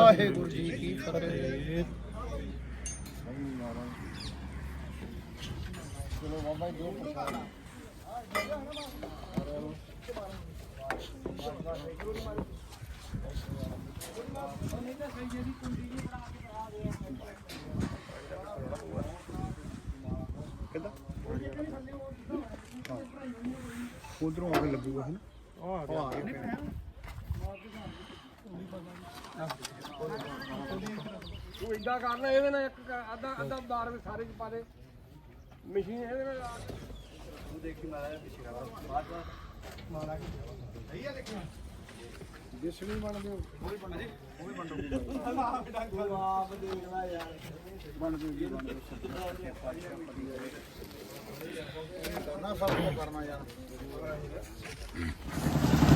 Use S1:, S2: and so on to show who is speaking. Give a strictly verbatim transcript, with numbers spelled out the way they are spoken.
S1: ਵਾਹਿਗੁਰੂ ਜੀ ਕੀ ਫਤਿਹ। ਚਲੋ ਬਾਬਾ ਜੀ ਦੋ ਪ੍ਰਸ਼ਾਦ ਉਧਰੋਂ ਆ ਕੇ ਲੱਗੂਗਾ ਹੈ ਨਾ ਆ ਗਿਆ
S2: ਤੂੰ ਇਦਾਂ ਕਰਨਾ ਇਹਦੇ ਨਾਲ ਇੱਕ ਅੱਧਾ ਅੱਧਾ ਬਾਰ ਵਿੱਚ ਸਾਰੇ ਚ ਪਾ ਦੇ ਮਸ਼ੀਨ ਇਹਦੇ ਨਾਲ ਲਾ ਕੇ ਤੂੰ ਦੇਖੀ ਮਾਰਾ ਪਿੱਛੇ ਕਰਾ ਬਾਅਦ ਮਾਰਾ ਸਹੀ ਆ ਦੇਖਿਆ ਜਿਸ ਵੀ ਬਣਦੇ ਉਹ ਵੀ ਬਣਦੇ ਉਹ ਵੀ ਬਣਦੇ ਆਪ ਦੇਖਣਾ ਯਾਰ ਬਣ ਜੂਗੀ ਬਣ
S1: ਕਰਨਾ ਸਭ ਕਰਨਾ ਯਾਰ